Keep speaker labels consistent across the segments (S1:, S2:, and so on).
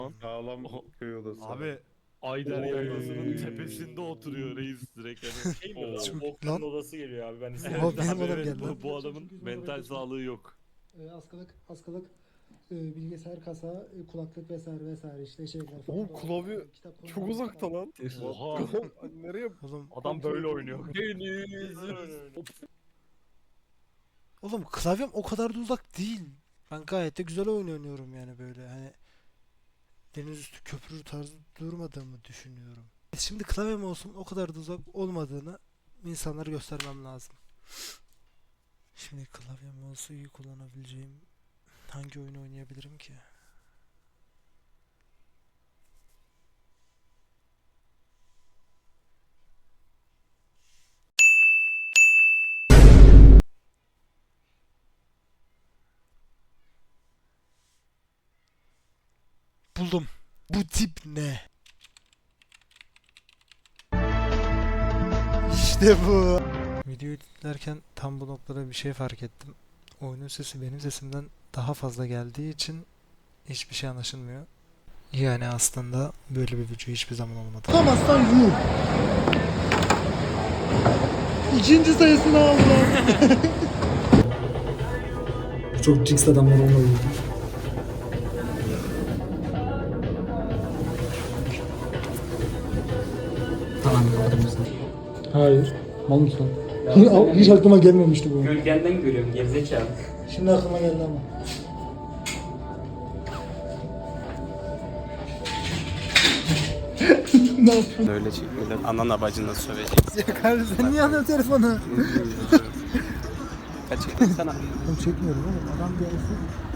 S1: Sağlam
S2: O-
S1: köy odası.
S2: Abi Ayder
S1: Oy.
S2: Yaylası'nın tepesinde oturuyor reis direkt hani.
S3: Şey mi?
S1: Oo.
S4: Çok
S3: Volkan'ın
S4: lan.
S3: odası geliyor abi. Ben
S4: Oha,
S2: Evet
S3: istedim.
S4: benim
S2: abi
S4: adam
S2: evet
S4: geldi lan.
S2: bu adamın mental sağlığı yok.
S5: Bilgisayar, kasa, kulaklık vesaire vesaire işte şeyler falan.
S1: Oğlum klavye
S5: kitap
S1: çok uzakta lan.
S2: Oha.
S1: Nereye?
S4: Oğlum,
S2: Adam böyle oynuyor.
S4: oğlum klavyem o kadar da uzak değil. Ben gayet de güzel oyun oynuyorum yani böyle hani deniz üstü köprü tarzı durmadığımı düşünüyorum. Şimdi klavyem olsun o kadar da uzak olmadığını insanlara göstermem lazım. Şimdi klavyem olsa iyi kullanabileceğim hangi oyunu oynayabilirim ki? Buldum. Bu tip ne? İşte bu. Video editlerken tam bu noktada bir şey fark ettim. Oyunun sesi benim sesimden daha fazla geldiği için hiçbir şey anlaşılmıyor. Yani aslında böyle bir video hiçbir zaman olmadı.
S5: Tutamazsan yum. İkinci sayısını aldılar.
S6: Çok cix adamlar onunla vurdu. Tamam gördüm seni.
S5: Hayır. Mal mısın? Hiç aklıma gelmemişti bu.
S7: Gölgenden görüyorum gerizekalı.
S5: Şimdi aklıma geldi ama. Ne yapıyorsun?
S8: Öyle çekmeden anana bacına söveceksin.
S4: Ya kardeşim sen niye alıyorsun telefonu?
S8: Kaçırdın sana.
S4: Ben çekmiyorum oğlum adam gelsin.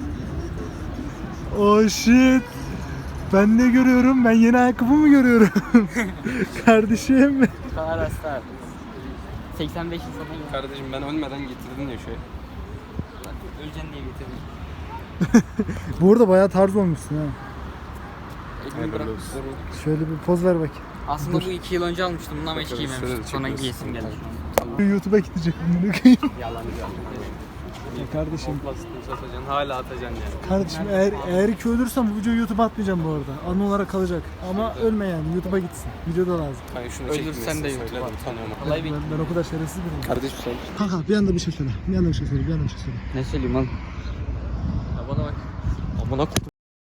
S4: Oh shit. Ben ne görüyorum? Ben yeni ayakkabı mı görüyorum? Kardeşim.
S7: Kadar hasta. 85 yıl sonra gel.
S8: Kardeşim ben ölmeden getirdin ya şöyle.
S7: Öleceksin diye getirdim.
S4: Bu arada bayağı tarz olmuşsun ha.
S7: Elimi bırak.
S4: Şöyle bir poz ver bak.
S7: Aslında bu 2 yıl önce almıştım. Bundan hiç
S8: Bakalım,
S7: giymemiştim.
S8: şöyle
S7: Sonra
S8: çekiyorsun.
S7: giyesim geldi.
S4: YouTube'a gidecek bunu koyayım.
S7: Yalan
S4: Kardeşim.
S8: Komplasını satacaksın hala atacaksın yani.
S4: Kardeşim eğer ki ölürsem bu videoyu YouTube'a atmayacağım bu arada. Anı olarak kalacak. Ama ölme yani YouTube'a gitsin. Videoda lazım.
S8: Hani şunu
S7: Ölürsen
S8: çekmeyesin,
S7: de
S8: söyle
S7: YouTube'a
S8: de utanıyorum.
S7: Kolay bir...
S4: Ben o kadar şerefsiz biriyim.
S8: Kardeşim sen.
S5: Kanka bir anda bir şey söyle. Bir anda bir şey söyle. Bir anda bir şey söyle.
S7: Ne söyleyeyim oğlum?
S8: Ya bana bak. Amına koydum.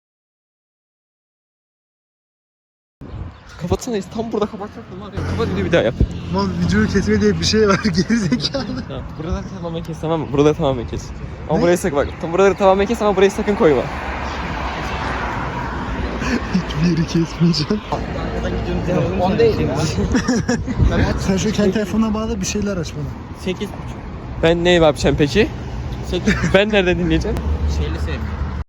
S8: Kapatsana tam burada kapatacaktım var ya. Kapat bir daha yap.
S4: Lan videoyu kesme diye bir şey var gerizekalı.
S8: Burada tamamen kes tamam mı? Burada tamamen kes. Ama burayı sakın bak. Tam buraları tamamen kes ama burayı sakın koyma.
S4: Hiçbir yeri kesmeyeceğim.
S7: On değil ya.
S4: Sen şu kendi telefonuna bağla bir şeyler aç bana.
S7: 8.5.
S8: Ben ne yapacağım peki? Ben nereden dinleyeceğim?
S7: Şeyli sevmiyorum.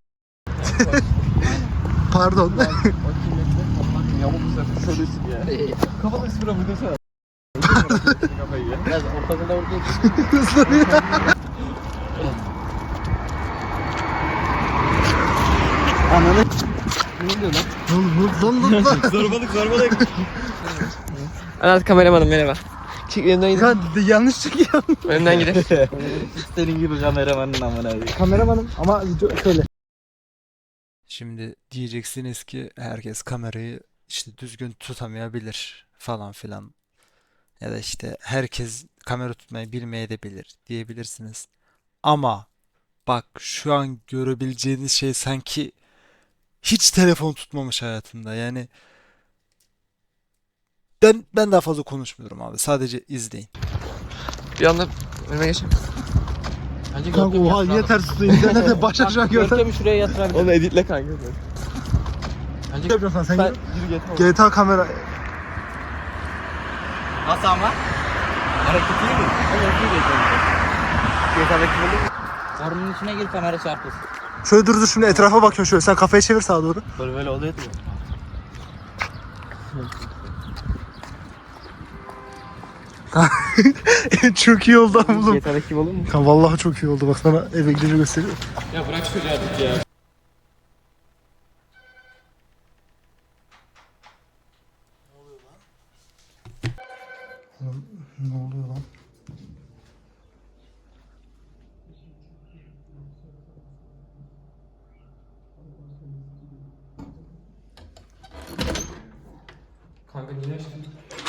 S4: Pardon.
S8: Şöylesin ya. Kafanı sıfıra vurdursa.
S7: Biraz ortadan ortaya
S4: Ananı. Ne oluyor lan? Lan.
S8: Zorbalık. Anlat kameramanım merhaba. Çık önümden gidin.
S4: Yanlış çıkıyor.
S8: Önümden gidin.
S7: Senin gibi kameramanın amına.
S4: Kameramanım ama video şöyle. Şimdi diyeceksiniz ki herkes kamerayı işte düzgün tutamayabilir falan filan. Ya da işte herkes kamera tutmayı bilmeyebilir diyebilirsiniz. Ama bak şu an görebileceğiniz şey sanki hiç telefon tutmamış hayatında. Yani ben daha fazla konuşmuyorum abi. Sadece izleyin.
S8: Bir anda önüme geçeyim.
S7: Bence
S4: Kanka oha niye ters tutuyor? İnternette baş aşağı gördüm.
S7: Görkem'i şuraya yatırabilirim.
S8: Onu editle kanka.
S7: Bence
S4: Ne yapıyorsun sen?
S8: Ben yürü
S4: GTA kamera.
S7: nasıl ama? Hareketi mi?
S8: GTA'daki böyle.
S7: Ormanın içine gir kamera çarpılsın.
S4: Şöyle dur şimdi etrafa bakıyorum şöyle. Sen kafayı çevir sağa doğru.
S7: Böyle oluyor mu?
S4: Çok iyi oldu oğlum.
S8: GTA'daki gibi olur mu?
S4: Kanka vallahi çok iyi oldu. Bak sana eve gidince gösteriyorum.
S8: Ya bırak çocuğu artık ya.
S4: Ne oluyor lan?
S8: Kanka niye açtın?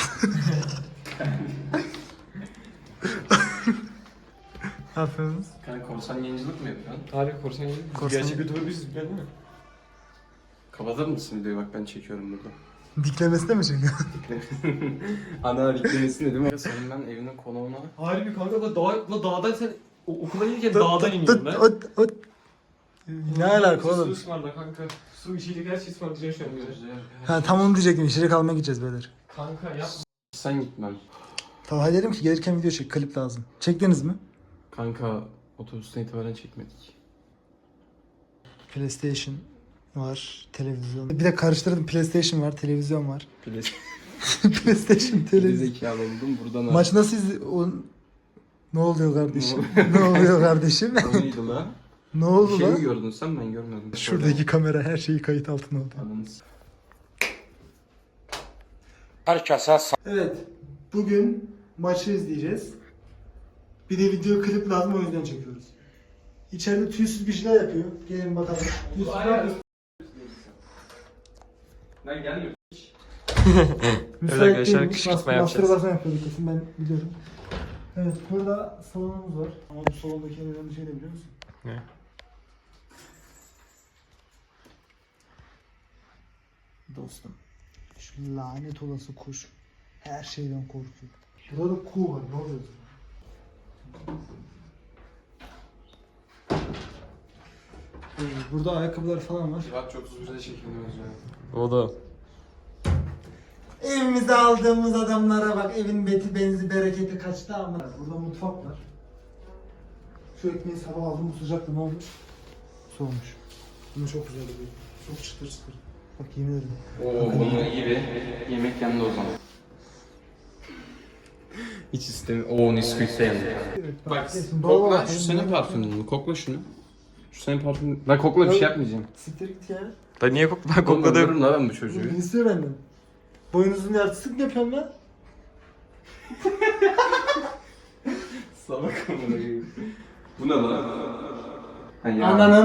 S4: Ne yapıyorsunuz?
S8: Kanka korsan yayıncılık mı yapıyorsun? Harbi korsan yayıncılık.
S4: Korsan-
S8: Gerçek YouTuber biziz biliyor musun? Kapatır mısın videoyu bak ben çekiyorum burada.
S4: Diklemesine mi çekiyor?
S8: Ana diklemesini dedim ama senin ben evinin konuğuna... Harbi kanka la dağdan sen okula gelirken dağdan iniyorum ben.
S4: Ne alaka
S8: Su
S4: oğlum?
S8: ısmarla kanka. Su içecek her şeyi ısmarlayacağım şu an bize.
S4: Ha tam onu diyecektim. İçeri kalmaya gideceğiz beyler.
S8: Kanka yapma. Sen gitmem.
S4: Talha dedim ki gelirken video çek. Klip lazım. Çektiniz mi?
S8: Kanka otobüsten itibaren çekmedik.
S4: PlayStation var. Televizyon. Bir de karıştırdım. PlayStation var. Televizyon var. PlayStation, televizyon.
S8: Zekalı oldum buradan.
S4: Maç nasıl Ne oluyor kardeşim? Ne oluyor kardeşim?
S8: O neydi la?
S4: Ne oldu
S8: Şey mi
S4: lan?
S8: gördün sen ben görmedim.
S4: Şuradaki kamera her şeyi kayıt altına aldı.
S8: Ananız.
S5: Evet. Bugün maçı izleyeceğiz. Bir de video klip lazım, o yüzden çekiyoruz. İçeride tüysüz bir şeyler yapıyor. Gelin bakalım. Tüysüz ne yapıyor?
S8: Ben gelmiyorum.
S5: Müsait
S8: arkadaşlar,
S5: değilmiş.
S8: kışkırtma yapacağız.
S5: Mastürbasyon yapıyorduk kesin, ben biliyorum. Evet, burada salonumuz var. Ama bu salondaki en önemli şey ne biliyor musun?
S8: Ne?
S5: Dostum, şu lanet olası kuş her şeyden korkuyor. Burada da kuğu var, ne oluyor? Burada ayakkabılar falan var.
S8: Civat çok uzun süre çekilmiyoruz ya. O da.
S5: Evimize aldığımız adamlara bak, evin beti benzi bereketi kaçtı ama. Burada mutfak var. Şu ekmeği sabah aldım, bu sıcaktı, ne olmuş? Soğumuş. Bunu çok güzel oluyor. Çok çıtır çıtır. Bak yemin ederim.
S8: Oo bunu iyi bir yemek yandı o zaman. Hiç istemiyorum. Oo Nesquik'te yandı.
S5: Evet,
S8: Bak
S5: kesin doğal
S8: kokla
S5: olarak
S8: şu
S5: benim
S8: senin
S5: yemek
S8: parfümün mü? Kokla şunu. Şu senin parfümün. Ben kokla bir şey yapmayacağım.
S5: Siktir git ya.
S8: Ben niye kokla? Ben kokladım lan ben bu çocuğu.
S5: Ne istiyor benden? Boynuzun yartısını mı yapıyorsun lan?
S8: Salak amına koyayım. Bu ne lan? Ha ya.
S5: Ananın.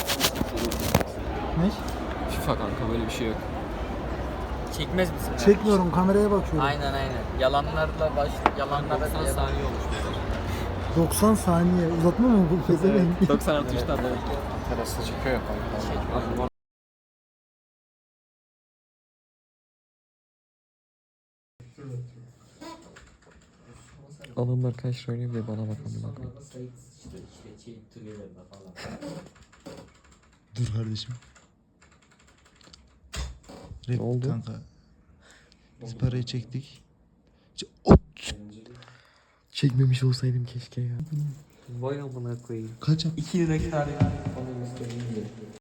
S5: Ne?
S8: FIFA kanka böyle bir şey yok.
S7: Çekmez misin?
S5: Çekmiyorum, kameraya bakıyorum.
S7: Aynen. Yalanlarla yalanlarla 90 saniye olmuş.
S5: 90 saniye. Uzatma mı bu pezevenk?
S7: 90 artı 3'ten de.
S8: Terasta çekiyor ya kanka. Adamlar kaç oynuyor diye bana bakalım.
S4: Dur kardeşim.
S8: Ne oldu?
S4: Kanka. Biz parayı çektik.
S8: Çekmemiş olsaydım keşke ya. Vay amına koyayım.
S4: Kaç
S8: 2 lira kâr.